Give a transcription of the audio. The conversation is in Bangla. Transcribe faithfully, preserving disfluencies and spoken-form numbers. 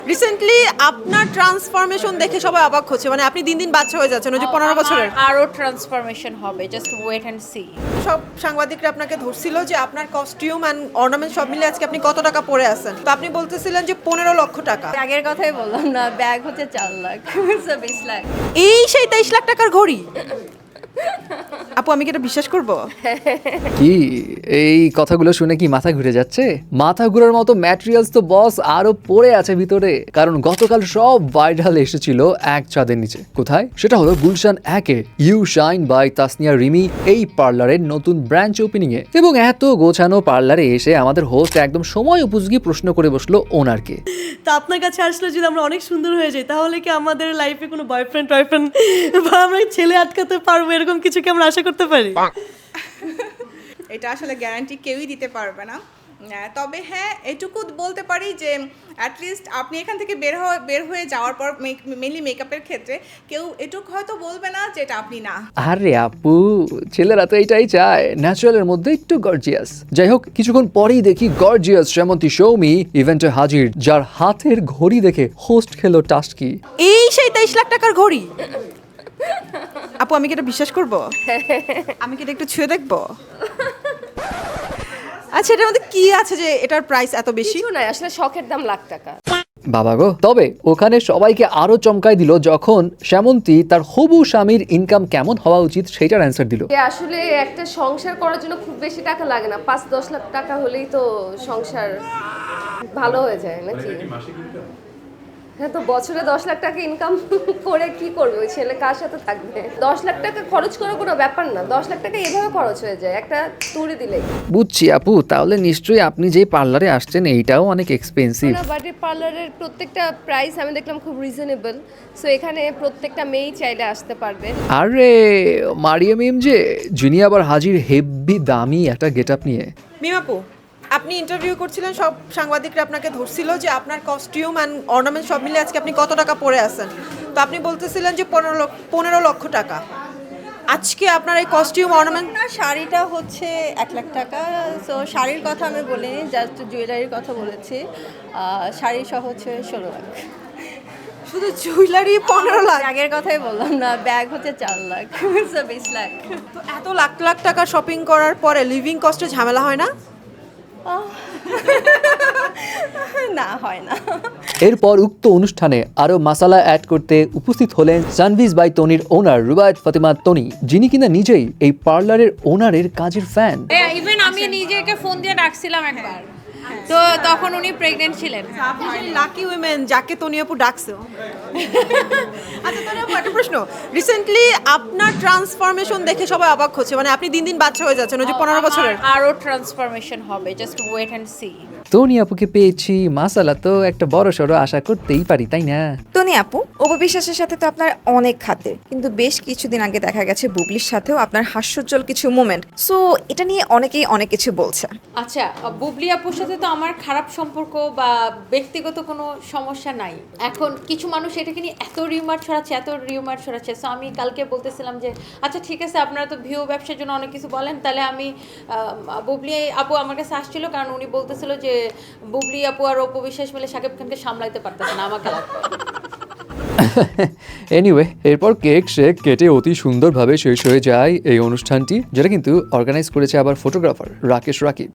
রিসেন্টলি আপনার ট্রান্সফরমেশন দেখে সবাই অবাক হচ্ছে, মানে আপনি দিন দিন বাচ্চা হয়ে যাচ্ছেন, ওই যে পনেরো বছরের। আরো ট্রান্সফরমেশন হবে, জাস্ট ওয়েট এন্ড সি। সব সাংবাদিকরা আপনাকে ধরছিল যে আপনার কস্টিউম অ্যান্ড অর্নামেন্ট সব মিলে আজকে আপনি কত টাকা পরে আছেন, তো আপনি বলতেছিলেন যে পনেরো লক্ষ টাকা। আগের কথাই বললাম না, ব্যাগ হচ্ছে চার লাখ বিশ লাখ। এই সেই তেইশ লাখ টাকার ঘড়ি। আপু আমি কি এটা বিশ্বাস করবো? কি এই কথাগুলো শুনে কি মাথা ঘুরে যাচ্ছে? মাথা ঘুরার মতো ম্যাটেরিয়ালস তো বস আরো পড়ে আছে ভিতরে, কারণ গতকাল সব ভাইরাল এসেছিল এক ছাদের নিচে। কোথায়? সেটা হলো গুলশান একে U Shine by Tasnia Rimi এই পার্লারের নতুন ব্রাঞ্চ ওপেনিং এ। এবং এত গোছানো পার্লারে এসে আমাদের হোস্ট একদম সময় উপযোগী প্রশ্ন করে বসলো ওনারকে। তা আপনার কাছে আসলে যদি আমরা অনেক সুন্দর হয়ে যাই, তাহলে কি আমাদের লাইফে কোনো বয়ফ্রেন্ড টয়ফ্রেন্ড বা আমরা ছেলে আটকাতে পারবো, এরকম কিছু কি আমরা আশা করতে পারি? এটা আসলে গ্যারান্টি কেউই দিতে পারবে না। আহ, তবে হ্যাঁ এটুকু বলতে পারি যে অ্যাটলিস্ট আপনি এখান থেকে বের হয়ে বের হয়ে যাওয়ার পর মেনলি মেকআপের ক্ষেত্রে কেউ এটুকু হয়তো বলবে না যে এটা আপনি না। আরে আপু, ছেলেরা তো এটাই চায়, ন্যাচারালের মধ্যে একটু গর্জিয়াস। যাই হোক, কিছুক্ষণ পরেই দেখি গর্জিয়াস শ্যামন্তী সৌমি ইভেন্টে হাজির, যার হাতের ঘড়ি দেখে হোস্ট খেলো টাস্কি। এই সেই তেইশ লাখ টাকার ঘড়ি। আপু আমি কি এটা বিশ্বাস করবো? আমি কি এটা একটু ছুঁয়ে দেখবো? আচ্ছা এটার মধ্যে কি আছে যে এটার প্রাইস এত বেশি? কিছু নাই, আসলে শখের দাম লাখ টাকা। বাবা গো। তবে ওখানে সবাইকে আরো চমকায় দিল যখন শ্যামন্তী তার হবু স্বামীর ইনকাম কেমন হওয়া উচিত সেটার অ্যান্সার দিল। যে আসলে একটা সংসার করার জন্য খুব বেশি টাকা লাগে না, পাঁচ দশ লাখ টাকা হলেই তো সংসার ভালো হয়ে যায় নাকি? হ্যাঁ, তো বছরে দশ লাখ টাকা ইনকাম করে কি করবে ওই ছেলে, কার সাথে থাকবে? দশ লাখ টাকা খরচ করে কোনো ব্যাপার না, দশ লাখ টাকা এভাবে খরচ হয়ে যায় একটা তুড়ি দিলেই। বুঝছি আপু, তাহলে নিশ্চয়ই আপনি যে পার্লারে আসছেন এইটাও অনেক এক্সপেন্সিভ। না, বাট এই পার্লারের প্রত্যেকটা প্রাইস আমি দেখলাম খুব রিজনেবল, সো এখানে প্রত্যেকটা মেয়েই চাইলে আসতে পারবে। আরে মারিয়াম মিম যে, যিনি আবার হাজির হেভি দামি একটা গেট আপ নিয়ে। মিমাপু আপনি ইন্টারভিউ করছিলেন, সব সাংবাদিকরা আপনাকে ধরছিল যে আপনার কস্টিউম অ্যান্ড অর্নামেন্ট সব মিলে আজকে আপনি কত টাকা পরে আছেন, তো আপনি বলতেছিলেন যে পনেরো লক্ষ পনেরো লক্ষ টাকা। আজকে আপনার এই কস্টিউম অর্নামেন্ট। না, শাড়িটা হচ্ছে এক লাখ টাকা। সো শাড়ির কথা আমি বলিনি, জাস্ট জুয়েলারির কথা বলেছি। আহ, শাড়ি সহ হচ্ছে ষোলো লাখ। শুধু জুয়েলারি পনেরো লাখ? আগের কথাই বললাম না, ব্যাগ হচ্ছে চার লাখ বিশ লাখ। তো এত লাখ লাখ টাকা শপিং করার পরে লিভিং কস্টে ঝামেলা হয় না? না, হয় না। এরপর উক্ত অনুষ্ঠানে আরো মাসালা অ্যাড করতে উপস্থিত হলেন সানভিজ বাই তনির ওনার রুবায়েত ফাতেমা তনি, যিনি কিনা নিজেই এই পার্লারের ওনারের কাজের ফ্যান। ইভেন আমি নিজেকে ফোন দিয়ে ডাকছিলাম একবার, তো তখন উনি প্রেগনেন্ট ছিলেন। আপনি লাকি উইমেন যাকে তনি আপু ডাকছে। আচ্ছা তনি আপু একটা প্রশ্ন, রিসেন্টলি আপনার ট্রান্সফরমেশন দেখে সবাই অবাক হচ্ছে, মানে আপনি দিন দিন বাচ্চা হয়ে যাচ্ছেন, ওই যে পনেরো বছরের। আরো ট্রান্সফরমেশন হবে, জাস্ট ওয়েট এন্ড সি। তনি আপুকে পেয়েছি, মাসালা তো একটা বড় সড়ো আশা করতেই পারি, তাই না? তনি আপু, অপবিশ্বাসের সাথে তো আপনার অনেক খাতির, কিন্তু বেশ কিছুদিন আগে দেখা গেছে বুবলির সাথেও আপনার হাস্যোজ্জ্বল কিছু মোমেন্ট, সো এটা নিয়ে অনেকেই অনেক কিছু বলছে। আচ্ছা, বুবলি আপুর সাথে তো আমার খারাপ সম্পর্ক বা ব্যক্তিগত কোনো সমস্যা নাই। এখন কিছু মানুষ এটাকে নিয়ে এত রিউমার ছড়াচ্ছে এত রিউমার ছড়াচ্ছে সো আমি কালকে বলতেছিলাম যে আচ্ছা ঠিক আছে, আপনারা তো ভিউ ব্যবসার জন্য অনেক কিছু বলেন, তাহলে আমি বুবলি আপু আমার কাছে আসছিল, কারণ উনি বলতেছিল যে বুবলি আপু আর অপু বিশ্বাস মিলে শাকিব খানকে সামলাইতে পারতেছে না, আমাকে লাগবে। এনিওয়ে, এরপর কেক শেক কেটে অতি সুন্দরভাবে শেষ হয়ে যায় এই অনুষ্ঠানটি, যেটা কিন্তু অর্গানাইজ করেছে আবার ফটোগ্রাফার রাকেশ রাকিব।